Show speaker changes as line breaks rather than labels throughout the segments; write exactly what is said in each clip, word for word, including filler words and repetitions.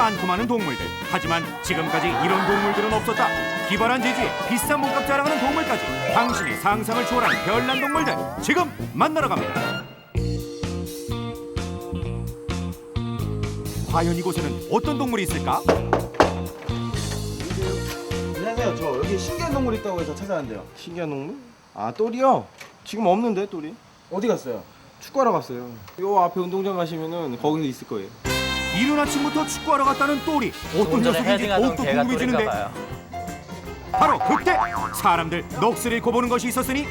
많고 많은 동물들. 하지만 지금까지 이런 동물들은 없었다. 기발한 재주에 비싼 몸값 자랑하는 동물까지. 당신의 상상을 초월한 별난 동물들 지금 만나러 갑니다. 과연 이곳에는 어떤 동물이 있을까?
안녕하세요. 저 여기 신기한 동물 있다고 해서 찾아왔는데요. 신기한 동물? 아, 똘이요? 지금 없는데, 똘이? 어디 갔어요? 축구하러 갔어요. 요 앞에 운동장 가시면은 거기서 있을 거예요.
이른 아침부터 축구하러 갔다는 똘이 어떤 녀석인지 더욱더 궁금해지는데 바로 그때 사람들 넋을 잃고 보는 것이 있었으니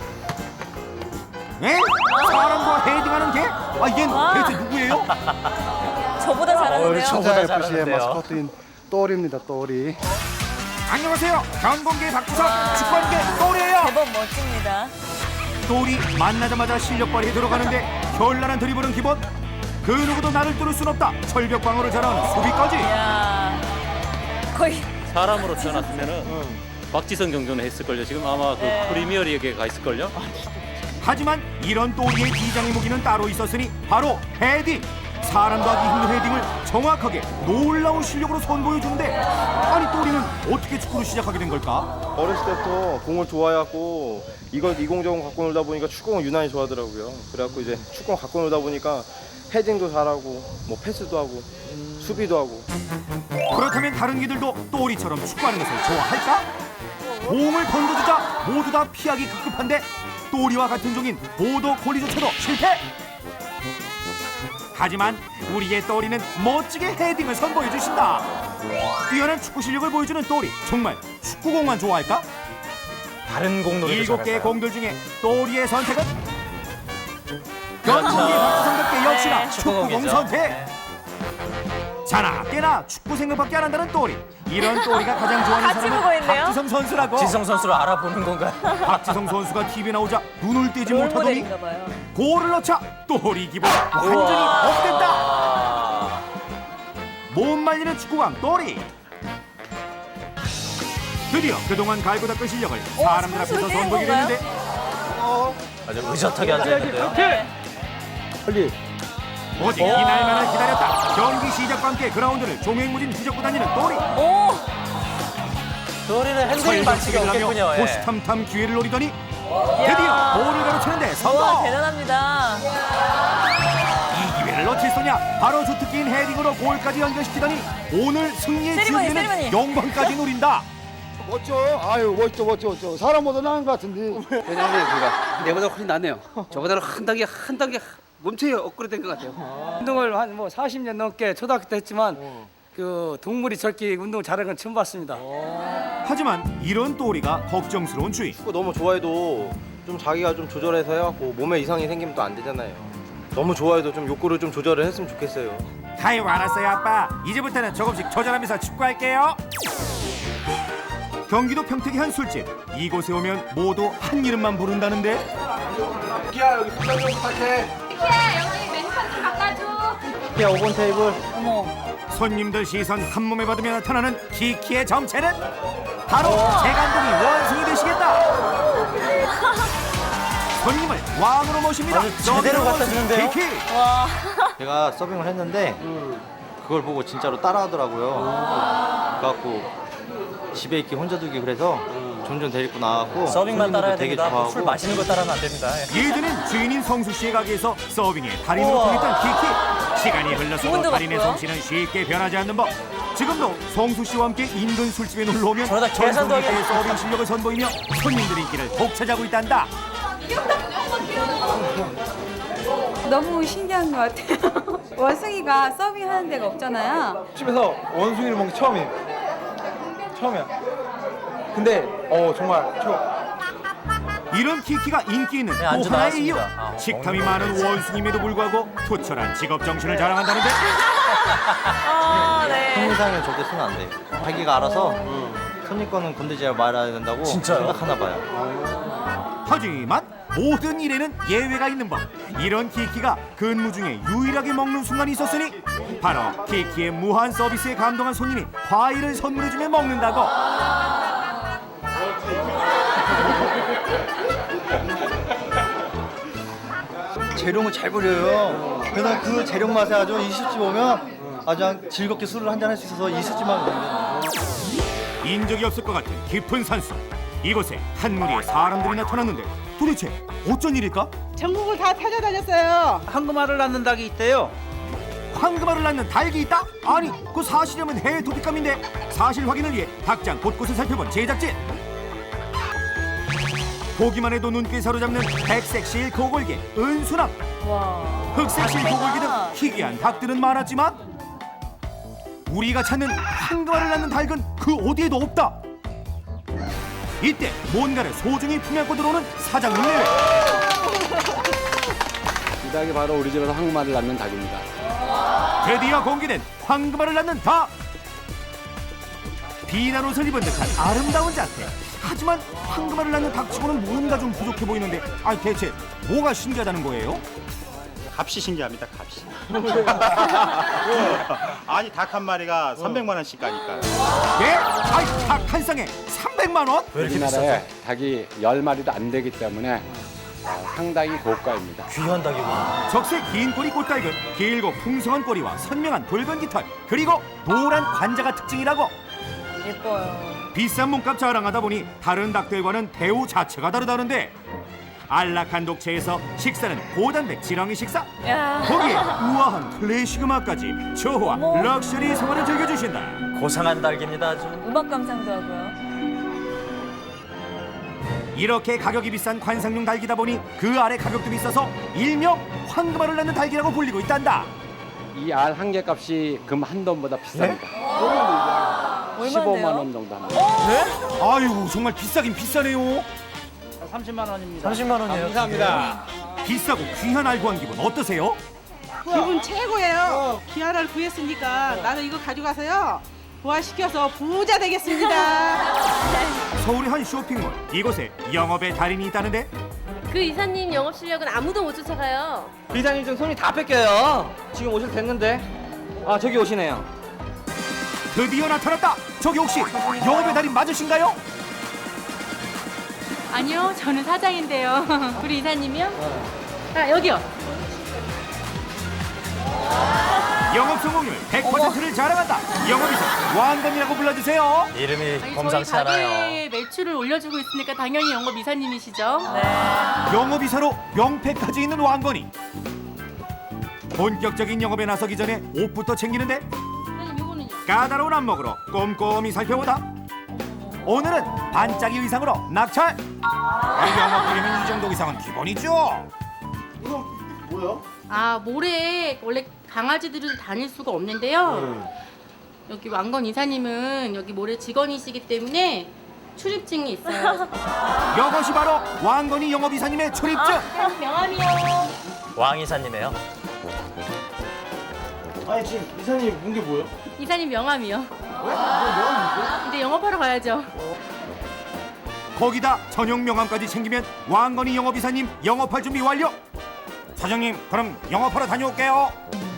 에? 사람과 헤딩하는 개? 아, 얜 대체 누구예요?
저보다 잘하는데요.
저보다 에프씨의 마스코트인 똘입니다. 똘이.
안녕하세요. 변공계 박주석 축구하는 게 똘이에요.
제법 멋집니다.
똘이 만나자마자 실력 발휘에 들어가는데 현란한 드리블은 기본. 그 누구도 나를 뚫을 순 없다. 철벽 방어를 잘하는 수비까지.
이야, 거의
사람으로 태어났으면은 박지성 정도는 했을걸요. 지금 아마 그
네.
프리미어리그에 가 있을걸요.
하지만 이런 똘이의 비장의 무기는 따로 있었으니 바로 헤딩. 사람도 하기 힘든 헤딩을 정확하게 놀라운 실력으로 선보여주는데 아니 똘이는 어떻게 축구를 시작하게 된 걸까?
어렸을 때부터 공을 좋아해갖고 이걸 이공저공 갖고 놀다 보니까 축구를 유난히 좋아하더라고요. 그래갖고 이제 축구 갖고 놀다 보니까 헤딩도 잘하고 뭐 패스도 하고 수비도 하고.
그렇다면 다른 개들도 똘이처럼 축구하는 것을 좋아할까? 공을 던져주자 모두 다 피하기 급급한데 똘이와 같은 종인 보더 콜리조차도 실패! 하지만 우리의 똘이는 멋지게 헤딩을 선보여 주신다. 뛰어난 축구 실력을 보여주는 똘이 정말 축구공만 좋아할까?
다른 공놀이도
일곱 개의
잘할까요?
공들 중에 똘이의 선택은 변공계 박주성답게 역시나
네.
축구공
축구공이죠.
선택. 자나 깨나 축구 생각밖에 안 한다는 똘이. 이런 똘이가 가장 좋아하는
같이 보고
사람은
있네요.
박지성 선수라고.
지성 선수를 알아보는 건가요?
박지성 선수가 티비에 나오자 눈을 떼지 못하더니
롤모델인가 봐요.
골을 넣자 똘이 기분 완전히 업됐다.
아,
못 말리는 축구광 똘이. 드디어 그동안 갈고 닦은 실력을 사람들 앞에서
선수를 깨는
선보이게
건가요?
됐는데
아주 의젓하게 앉아있는데요.
빨리.
오직 이날만을 기다렸다. 경기 시작과 함께 그라운드를 종횡무진 뒤적고 다니는 똘이.
오,
똘이는 핸들링 반칙이 없겠군요.
설득시키려며
예.
호시탐탐 기회를 노리더니 드디어 볼을 가로채는데
우와,
성공.
대단합니다.
이 기회를 놓칠 소냐. 바로 주특기인 헤딩으로 골까지 연결시키더니 오늘 승리의
세리머니,
지우개는
세리머니.
영광까지 노린다.
멋져. 아유 멋져 멋져 멋져. 사람보다 나은 것 같은데.
왜냐면 제가 내보다 훨씬 낫네요. 저보다는 한 단계 한 단계 몸체에 업그레이드 된 것 같아요. 운동을 한 뭐 사십 년 넘게 초등학교 때 했지만 그 동물이 저렇게 운동 잘하는 건 처음 봤습니다.
하지만 이런 똘이가 걱정스러운 주의.
축구 너무 좋아해도 좀 자기가 좀 조절해서 해갖고 몸에 이상이 생기면 또 안 되잖아요. 너무 좋아해도 좀 욕구를 좀 조절을 했으면 좋겠어요.
아이고 알았어요 아빠. 이제부터는 조금씩 조절하면서 축구할게요. 경기도 평택의 한 술집. 이곳에 오면 모두 한 이름만 부른다는데
기아 여기 부장 좀 부탁해.
기아 오 번 테이블.
어머,
손님들 시선 한 몸에 받으며 나타나는 키키의 정체는 바로 제 감독이 원숭이 되시겠다. 손님을 왕으로 모십니다.
아주 제대로 갖다 주는데요?
키키.
와,
제가 서빙을 했는데 그걸 보고 진짜로 따라하더라고요. 그래갖고 집에 있기 혼자 두기 그래서 종종 데리고 나왔고
서빙만 따라야
되게
됩니다.
좋아하고
술 마시는 거 따라하면 안 됩니다. 예.
예전엔 주인인 성수 씨의 가게에서 서빙에 달인으로
우와.
통했던 키키. 시간이 흘러서도
기분도
달인의
같고요.
솜씨는 쉽게 변하지 않는 법. 지금도 성수 씨와 함께 인근 술집에 놀러 오면
저러다 계산도 하게
전성기의 서빙 실력을 선보이며 손님들 인기를 독차지하고 있단다.
너무 신기한 것 같아요. 원숭이가 서빙하는 데가 없잖아요.
집에서 원숭이를 먹는 게 처음이에요. 처음이야. 근데 어 정말 저
이런 키키가 인기 있는
네,
또
안주
하나의 이유.
나왔습니다. 아,
식탐이 많은 원숭임에도 불구하고 투철한 직업 정신을 자랑한다는데
아, 네.
손님상에 절대 쓰면 안 돼요. 자기가 알아서 손님 거는 건들지 말아야 된다고
진짜요?
생각하나 봐요.
하지만 모든 일에는 예외가 있는 법. 이런 키키가 근무 중에 유일하게 먹는 순간이 있었으니 바로 키키의 무한 서비스에 감동한 손님이 과일을 선물해주며 먹는다고.
재료는 잘 버려요. 그래서 그 재료 맛에 아주 이 집집 오면 아주 즐겁게 술을 한잔 할 수 있어서 이 술집만 오는
인적이 없을 것 같은 깊은 산속. 이곳에 한 무리의 사람들이 나타났는데 도대체 어쩐 일일까?
전국을 다 찾아다녔어요.
황금알을 낳는 닭이 있대요.
황금알을 낳는 닭이 있다? 아니, 그 사실이라면 해외 토픽감인데 사실 확인을 위해 닭장 곳곳을 살펴본 제작진. 보기만 해도 눈길 사로잡는 백색 실크 오골개, 은수남,
와.
흑색 실크 오골개 등
아,
희귀한 닭들은 많았지만 우리가 찾는 황금알을 낳는 닭은 그 어디에도 없다. 이때 뭔가를 소중히 품안고 들어오는 사장님 내외.
이 닭이 바로 우리 집에서 황금알을 낳는 닭입니다.
드디어 공개된 황금알을 낳는 닭. 비난 옷을 입은 듯한 아름다운 자태. 하지만 황금알을 낳는 닭치고는 뭔가 좀 부족해 보이는데, 아니 대체 뭐가 신기하다는 거예요?
값이 신기합니다. 값이. 아니 닭 한 마리가 삼백만 원씩 가니까요.
예? 아이 닭 한 쌍에 삼백만 원?
우리나라에 닭이 열 마리도 안 되기 때문에 상당히 고가입니다.
귀한 닭이구나.
적색 긴 꼬리 꽃닭은 길고 풍성한 꼬리와 선명한 붉은 깃털, 그리고 노란 관자가 특징이라고.
예뻐요.
비싼 몸값 자랑하다 보니 다른 닭들과는 대우 자체가 다르다는데, 안락한 독채에서 식사는 고단백 지렁이 식사,
야.
거기에 우아한 클래식 음악까지 저호와
어머.
럭셔리 생활을 즐겨주신다.
고상한 닭입니다 아주.
음악 감상도 하고요.
이렇게 가격이 비싼 관상용 닭이다 보니 그 아래 가격도 비싸서 일명 황금알을 낳는 닭이라고 불리고 있단다.
이 알 한 개 값이 금 한 돈보다 비쌉니다. 십오만 원 정도 합니다.
아이고 정말 비싸긴 비싸네요.
삼십만 원입니다. 삼십만 원이에요.
감사합니다.
비싸고 귀한 알 구한 기분 어떠세요?
기분 최고예요. 기아를 구했으니까 나는 이거 가져가서요. 부활시켜서 부자 되겠습니다.
서울의 한 쇼핑몰, 이곳에 영업의 달인이 있다는데
그 이사님 영업 실력은 아무도 못 쫓아가요.
이사님 좀 손이 다 뺏겨요. 지금 오실 됐는데. 아 저기 오시네요.
드디어 나타났다. 저기 혹시 영업의 달인 맞으신가요?
아니요, 저는 사장인데요. 우리 이사님이요? 아 여기요.
영업 성공률 백 퍼센트를 자랑한다. 영업이사 왕건이라고 불러주세요.
이름이 범상치 않아요.
가게의 매출을 올려주고 있으니까 당연히 영업 이사님이시죠.
네.
영업이사로 명패까지 있는 왕건이. 본격적인 영업에 나서기 전에 옷부터 챙기는데
사장님 요거는요?
까다로운 안목으로 꼼꼼히 살펴보다 오늘은 반짝이 의상으로 낙찰. 영업이면 이 정도 의상은 기본이죠.
아 모래에 원래 강아지들은 다닐 수가 없는데요. 여기 왕건 이사님은 여기 모래 직원이시기 때문에 출입증이 있어요.
이것이 바로 왕건이 영업이사님의 출입증.
명함이요.
왕 이사님이에요.
아니 지금 이사님 문 게 뭐예요?
이사님 명함이요. 이제 영업하러 가야죠.
거기다 전용 명함까지 챙기면 왕건이 영업이사님 영업할 준비 완료. 사장님 그럼 영업하러 다녀올게요.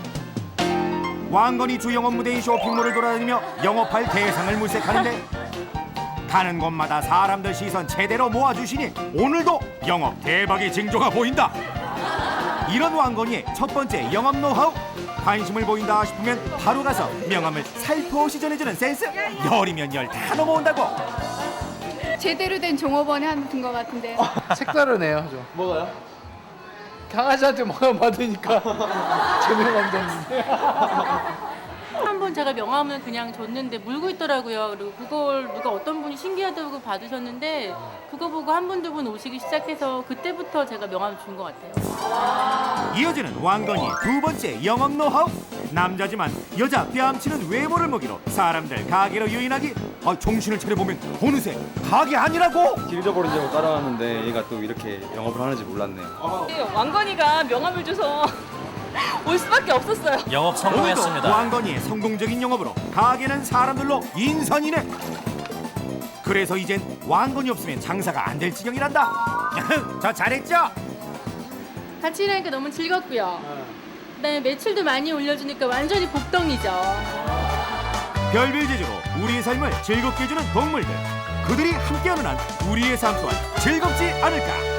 왕건이 주 영업 무대인 쇼핑몰을 돌아다니며 영업할 대상을 물색하는데 가는 곳마다 사람들 시선 제대로 모아주시니 오늘도 영업 대박의 징조가 보인다. 이런 왕건이의 첫 번째 영업 노하우. 관심을 보인다 싶으면 바로 가서 명함을 살포시 전해주는 센스. 열이면 열 다 넘어온다고.
제대로 된 종업원에 한것 같은데.
색다르네요, 좀. 뭐가요? 강아지한테 뭐가 받으니까 재미가 없는데.
한 번 제가 명함을 그냥 줬는데 물고 있더라고요. 그리고 그걸 누가 어떤 분이 신기하다고 받으셨는데 그거 보고 한 분, 두 분 오시기 시작해서 그때부터 제가 명함을 준 것 같아요.
이어지는 왕건이의 두 번째 영업 노하우. 남자지만 여자 뺨치는 외모를 먹이로 사람들 가게로 유인하기. 아, 정신을 차려보면 어느새 가게 아니라고.
길 잃어버리려고 따라왔는데 얘가 또 이렇게 영업을 하는지 몰랐네요.
왕건이가 명함을 줘서 올 수밖에 없었어요.
영업
오늘도
성공했습니다.
왕건이의 성공적인 영업으로 가게는 사람들로 인산이네. 그래서 이젠 왕건이 없으면 장사가 안 될 지경이란다. 저 잘했죠?
같이 일하니까 너무 즐겁고요. 그다음에 매출도 많이 올려주니까 완전히 복덩이죠.
별별 재주로 우리의 삶을 즐겁게 해주는 동물들. 그들이 함께하는 한 우리의 삶 또한 즐겁지 않을까.